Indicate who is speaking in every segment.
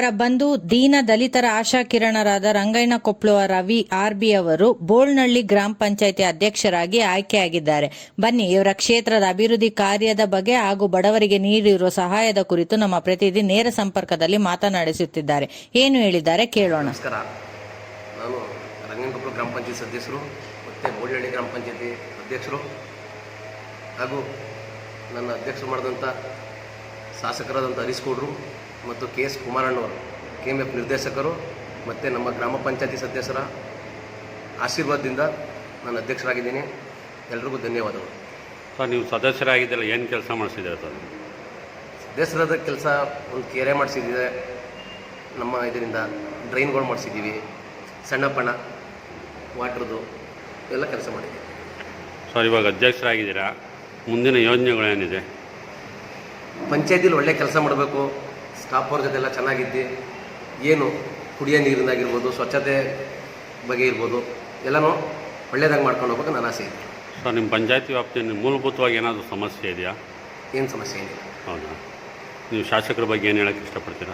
Speaker 1: ಬಂಧು ದೀನ ದಲಿತರ ಆಶಾ ಕಿರಣರಾದ ರಂಗಯ್ಯನ ಕೊಪ್ಳುವ ರವಿ ಆರ್ಬಿ ಅವರು ಬೋಳ್ನಳ್ಳಿ ಗ್ರಾಮ ಪಂಚಾಯಿತಿ ಅಧ್ಯಕ್ಷರಾಗಿ ಆಯ್ಕೆಯಾಗಿದ್ದಾರೆ. ಬನ್ನಿ ಇವರ ಕ್ಷೇತ್ರದ ಅಭಿವೃದ್ಧಿ ಕಾರ್ಯದ ಬಗ್ಗೆ ಹಾಗೂ ಬಡವರಿಗೆ ನೀಡಿರುವ ಸಹಾಯದ ಕುರಿತು ನಮ್ಮ ಪ್ರತಿನಿಧಿ ನೇರ ಸಂಪರ್ಕದಲ್ಲಿ ಮಾತನಾಡಿಸುತ್ತಿದ್ದಾರೆ. ಏನು ಹೇಳಿದ್ದಾರೆ ಕೇಳೋಣ.
Speaker 2: ನಮಸ್ಕಾರ, ನಾನು ರಂಗಯ್ಯನ ಕೊಪ್ಲು ಗ್ರಾಮ ಪಂಚಾಯತ್ ಸದಸ್ಯರು ಮತ್ತು ಬೋಳ್ನಳ್ಳಿ ಗ್ರಾಮ ಪಂಚಾಯತಿ ಅಧ್ಯಕ್ಷರು ಹಾಗೂ ನನ್ನ ಅಧ್ಯಕ್ಷರು ಮಾಡಿದಂಥ ಶಾಸಕರಾದಂಥ ಹರೀಶ್ ಗೌಡ್ರು ಮತ್ತು KS ಕುಮಾರಣ್ಣವರು KMF ನಿರ್ದೇಶಕರು ಮತ್ತು ನಮ್ಮ ಗ್ರಾಮ ಪಂಚಾಯತಿ ಸದಸ್ಯರ ಆಶೀರ್ವಾದದಿಂದ ನಾನು ಅಧ್ಯಕ್ಷರಾಗಿದ್ದೀನಿ. ಎಲ್ರಿಗೂ ಧನ್ಯವಾದಗಳು.
Speaker 3: ಸರ್, ನೀವು ಸದಸ್ಯರಾಗಿದ್ದಲ್ಲ, ಏನು ಕೆಲಸ ಮಾಡಿಸಿದ್ದೀರಾ ಸರ್?
Speaker 2: ಸದಸ್ಯರಾದ ಕೆಲಸ ಒಂದು ಕೆರೆ ಮಾಡಿಸಿದ್ದಿದೆ, ನಮ್ಮ ಇದರಿಂದ ಡ್ರೈನ್ಗಳು ಮಾಡಿಸಿದ್ದೀವಿ, ಸಣ್ಣ ಪಣ ವಾಟ್ರದ್ದು ಎಲ್ಲ ಕೆಲಸ ಮಾಡಿದ್ದೀವಿ.
Speaker 3: ಸರ್, ಇವಾಗ ಅಧ್ಯಕ್ಷರಾಗಿದ್ದೀರಾ, ಮುಂದಿನ ಯೋಜನೆಗಳೇನಿದೆ?
Speaker 2: ಪಂಚಾಯತಿಲಿ ಒಳ್ಳೆ ಕೆಲಸ ಮಾಡಬೇಕು, ಸ್ಟಾಫ್ ಅವ್ರ ಜೊತೆ ಎಲ್ಲ ಚೆನ್ನಾಗಿದ್ದು, ಏನು ಕುಡಿಯೋ ನೀರಿನಾಗಿರ್ಬೋದು, ಸ್ವಚ್ಛತೆ ಬಗ್ಗೆ ಇರ್ಬೋದು, ಎಲ್ಲನೂ ಒಳ್ಳೆಯದಾಗಿ ಮಾಡ್ಕೊಂಡು ಹೋಗ್ಬೇಕು ನನ್ನ ಆಸೆ ಇದೆ.
Speaker 3: ಸರ್, ನಿಮ್ಮ ಪಂಚಾಯತಿ ವ್ಯಾಪ್ತಿಯಲ್ಲಿ ಮೂಲಭೂತವಾಗಿ ಏನಾದರೂ ಸಮಸ್ಯೆ ಇದೆಯಾ?
Speaker 2: ಏನು ಸಮಸ್ಯೆ ಏನಿಲ್ಲ.
Speaker 3: ಹೌದಾ? ನೀವು ಶಾಸಕರ ಬಗ್ಗೆ ಏನು ಹೇಳೋಕ್ಕೆ ಇಷ್ಟಪಡ್ತೀರಾ?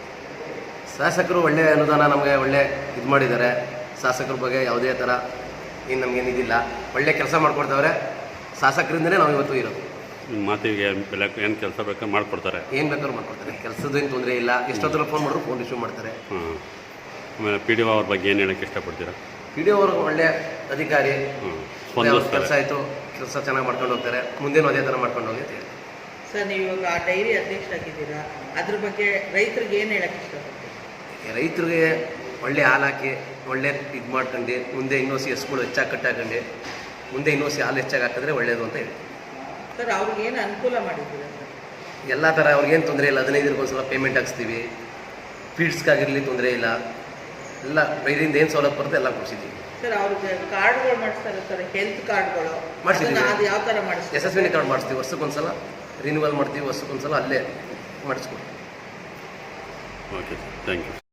Speaker 2: ಶಾಸಕರು ಒಳ್ಳೆಯ ಅನುದಾನ ನಮಗೆ ಒಳ್ಳೆ ಇದು ಮಾಡಿದ್ದಾರೆ. ಶಾಸಕರ ಬಗ್ಗೆ ಯಾವುದೇ ಥರ ಏನು ನಮಗೇನಿದಿಲ್ಲ, ಒಳ್ಳೆ ಕೆಲಸ ಮಾಡಿಕೊಡ್ತಾವ್ರೆ. ಶಾಸಕರಿಂದನೇ ನಾವು ಇವತ್ತು ಇರೋದು.
Speaker 3: ನಿಮ್ಮ ಮಾತಿಗೆ ಬೆಲೆ ಏನು ಕೆಲಸ ಬೇಕಾದ್ರೆ ಮಾಡಿಕೊಡ್ತಾರೆ?
Speaker 2: ಏನು ಬೇಕಾದ್ರೂ ಮಾಡ್ಕೊಡ್ತಾರೆ, ಕೆಲಸದೇನು ತೊಂದರೆ ಇಲ್ಲ. ಎಷ್ಟೊತ್ತರ ಫೋನ್ ಮಾಡಿದ್ರು ಫೋನ್ ರಿಸೀವ್ ಮಾಡ್ತಾರೆ.
Speaker 3: ಆಮೇಲೆ PDO ಅವ್ರ ಬಗ್ಗೆ ಏನು ಹೇಳೋಕ್ಕೆ ಇಷ್ಟಪಡ್ತೀರಾ?
Speaker 2: PDO ಅವರು ಒಳ್ಳೆ ಅಧಿಕಾರಿ, ಕೆಲಸ ಆಯಿತು, ಕೆಲಸ ಚೆನ್ನಾಗಿ ಮಾಡ್ಕೊಂಡು ಹೋಗ್ತಾರೆ. ಮುಂದೇನು ಅದೇ ಥರ ಮಾಡ್ಕೊಂಡು ಹೋಗಿ ಅಂತ ಹೇಳಿ.
Speaker 4: ಸರ್, ನೀವು ಇವಾಗ ಆ ಡೈರಿ ಅಧ್ಯಕ್ಷರಾಗಿದ್ದೀರಾ, ಅದ್ರ ಬಗ್ಗೆ ರೈತರಿಗೆ ಏನು ಹೇಳಕ್ಕೆ ಇಷ್ಟಪಡ್ತೀವಿ?
Speaker 2: ರೈತರಿಗೆ ಒಳ್ಳೆ ಹಾಲು ಹಾಕಿ ಒಳ್ಳೆ ಇದು ಮಾಡ್ಕೊಂಡು ಮುಂದೆ ಇನ್ನೋಸಿ ಹಸುಗಳು ಹೆಚ್ಚಾಗಿ ಕಟ್ಟಾಕೊಂಡು ಮುಂದೆ ಇನ್ನೋಸಿ ಹಾಲು ಹೆಚ್ಚಾಗಿ ಹಾಕಿದ್ರೆ ಒಳ್ಳೆಯದು ಅಂತ ಹೇಳಿ.
Speaker 4: ಸರ್, ಅವ್ರಿಗೆ ಏನು ಅನುಕೂಲ ಮಾಡಿದ್ದೀರಾ ಸರ್?
Speaker 2: ಎಲ್ಲ ಥರ ಅವ್ರಿಗೇನು ತೊಂದರೆ ಇಲ್ಲ. 15 ದಿನಕ್ಕೆ ಒಂದ್ಸಲ ಪೇಮೆಂಟ್ ಹಾಕ್ಸ್ತೀವಿ. ಫೀಡ್ಸ್ಗಾಗಿರಲಿ ತೊಂದರೆ ಇಲ್ಲ. ಎಲ್ಲ ಬೈರಿಂದ ಏನು ಸೌಲಭ್ಯ ಬರುತ್ತೆ ಎಲ್ಲ ಕೊಡಿಸಿದ್ದೀವಿ.
Speaker 4: ಸರ್, ಅವ್ರಿಗೆ ಕಾರ್ಡ್ಗಳು ಮಾಡಿಸ್ತಾರೆ ಸರ್, ಹೆಲ್ತ್ ಕಾರ್ಡ್ಗಳು
Speaker 2: ಮಾಡಿಸಿದ್ದೀವಿ.
Speaker 4: ಅದು ಯಾವ ಥರ ಮಾಡಿಸ್ತೀವಿ?
Speaker 2: ಯಶಸ್ವಿನಿ ಕಾರ್ಡ್ ಮಾಡಿಸ್ತೀವಿ, ವರ್ಷಕ್ಕೊಂದ್ಸಲ ರಿನ್ಯೂವಲ್ ಮಾಡ್ತೀವಿ, ವರ್ಷಕ್ಕೊಂದ್ಸಲ ಅಲ್ಲೇ ಮಾಡಿಸ್ಕೊಡ್ತೀವಿ.
Speaker 3: Okay, thank you.